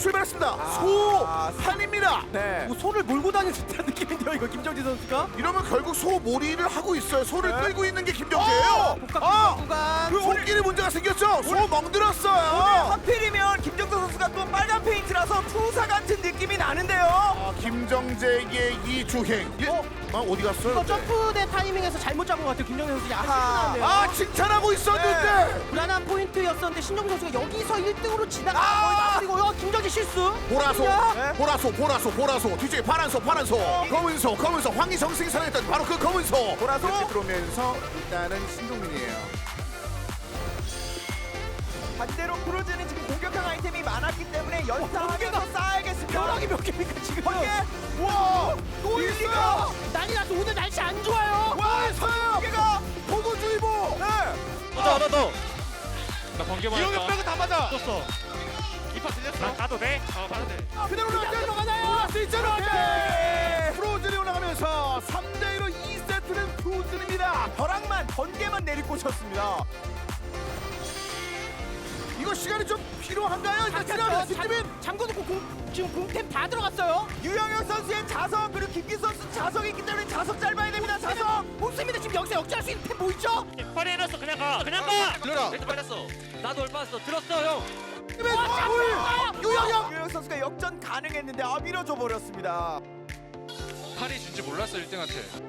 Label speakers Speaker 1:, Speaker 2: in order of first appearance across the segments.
Speaker 1: 출발했습니다. 소판입니다.
Speaker 2: 네.
Speaker 3: 뭐 소를 몰고 다니는 듯한 느낌인데요, 이거 김정지 선수가.
Speaker 1: 이러면 결국 소몰이를 하고 있어요. 소를 끌고 있는 게 김정재예요.
Speaker 3: 복각 구간.
Speaker 1: 그 손길에 문제가 생겼죠. 소
Speaker 2: 오늘
Speaker 1: 멍들었어요.
Speaker 2: 하필이면 김정도 선수가 또 빨간 페인트라서 투사 같은 느낌이 나는데요.
Speaker 1: 김정재의 이 주행. 어디 갔어요?
Speaker 3: 이거 점프대 타이밍에서 잘못 잡은 것 같아요, 김정지 선수. 약간 실수나는데요.
Speaker 1: 아 칭찬하고 있었는데
Speaker 3: 불안한 포인트였었는데 신정지 선수가 여기서 1등으로 지나가 거의 마무리고요. 김정지 실수.
Speaker 1: 보라소,
Speaker 3: 야!
Speaker 1: 보라소 뒤쪽에 파란 소, 검은 소, 황희정 생산했던 바로 그 검은 소.
Speaker 2: 보라소.
Speaker 1: 이렇게 들어오면서 일단은 신동민이에요.
Speaker 2: 반대로 프로즈는 지금 공격형 아이템이 많았기 때문에 연타하면서 쌓아야겠습니다.
Speaker 3: 벼락이 몇 개입니까 지금?
Speaker 2: 번개. 와, 또
Speaker 1: 밀리가.
Speaker 2: 일리가.
Speaker 3: 난리 났어. 오늘 날씨 안 좋아요.
Speaker 1: 와, 서요.
Speaker 2: 번개가.
Speaker 1: 보고주의보.
Speaker 2: 네.
Speaker 4: 나 번개 맞았다.
Speaker 1: 이용이 빼고 다 맞아.
Speaker 4: 떴어. 이파 들렸어. 나 가도 돼? 가도 돼.
Speaker 1: 그대로
Speaker 3: 들어가나요?
Speaker 1: 올라갈 수 있잖아.
Speaker 2: 네.
Speaker 1: 프로즌이 올라가면서 3대1로 2세트는 프로즌입니다.
Speaker 2: 벼락만 번개만 내리꽂혔습니다.
Speaker 1: 이거 시간이 좀 필요한가요? 일단 지나면 뒷집인.
Speaker 3: 잠궈 놓고 지금 공템 다 들어갔어요.
Speaker 2: 유영혁 선수의 자석 그리고 김기 선수 자석이 있기 때문에 자석 짧아야 됩니다. 자석.
Speaker 3: 없습니다. 지금 여기서 역전할 수 있는 템 뭐 있죠?
Speaker 4: 빨리 해놨어. 그냥 가. 그냥 가.
Speaker 1: 들어라.
Speaker 4: 멘트 빨렸어. 나도 얼빠졌어. 들었어 형.
Speaker 1: 유영혁.
Speaker 2: 유영혁 선수가 역전 가능했는데 밀어줘 버렸습니다.
Speaker 4: 팔이 준지 몰랐어 1등한테.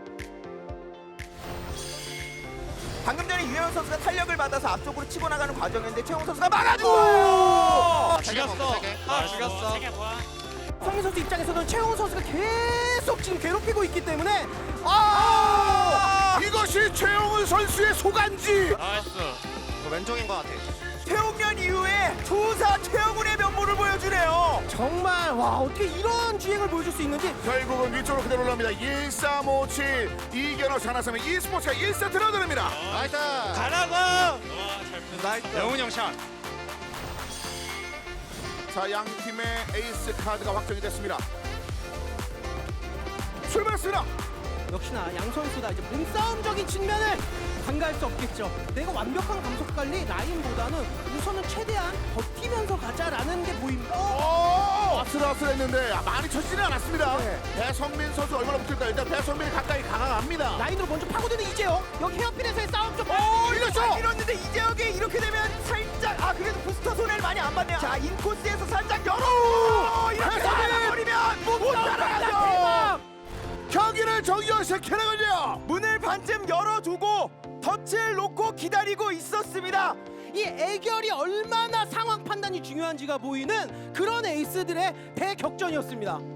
Speaker 2: 방금 전에 유영혁 선수가 탄력을 받아서 앞쪽으로 치고 나가는 과정이었는데 최홍 선수가 막아주고.
Speaker 4: 죽였어. 죽였어.
Speaker 3: 성민 선수 입장에서는 최홍 선수가 계속 지금 괴롭히고 있기 때문에
Speaker 1: 이것이 최영훈 선수의 소간지.
Speaker 4: 나이스.
Speaker 5: 왼쪽인 것 같아.
Speaker 2: 태웅년 이후에 투사 최영훈의 면모를 보여주네요.
Speaker 3: 정말 와 어떻게 이런 주행을 보여줄 수 있는지.
Speaker 1: 결국은 위쪽으로 그대로 올라옵니다. 1357 이견호 장나섬의 e스포츠가 1세트로 들어옵니다.
Speaker 5: 나이스.
Speaker 4: 가라고.
Speaker 5: 나이스.
Speaker 4: 영훈 형 샷.
Speaker 1: 자, 양 팀의 에이스 카드가 확정이 됐습니다. 출발했습니다.
Speaker 3: 역시나 양 선수 다 이제 몸싸움적인 측면을 간과할 수 없겠죠. 내가 완벽한 감속 관리 라인보다는 우선은 최대한 버티면서 가자라는 게 보입니다.
Speaker 1: 아슬아슬했는데 많이 쳐지지는 않았습니다. 배성민 선수 얼마나 붙을까요? 일단 배성민이 가까이 다가갑니다.
Speaker 3: 라인으로 먼저 파고드는 이재영. 여기 헤어핀에서의 싸움 좀.
Speaker 2: 잘 밀었는데 이재혁이 이렇게 되면 살짝 그래도 부스터 손해를 많이 안 받네요. 자 인코스에서 살짝 열어. 이렇게 나가버리면 못 따라가죠.
Speaker 1: 경기를 정리시켜나가죠.
Speaker 2: 문을 반쯤 열어두고 덫을 놓고 기다리고 있었습니다.
Speaker 3: 이 애결이 얼마나 상황 판단이 중요한지가 보이는 그런 에이스들의 대격전이었습니다.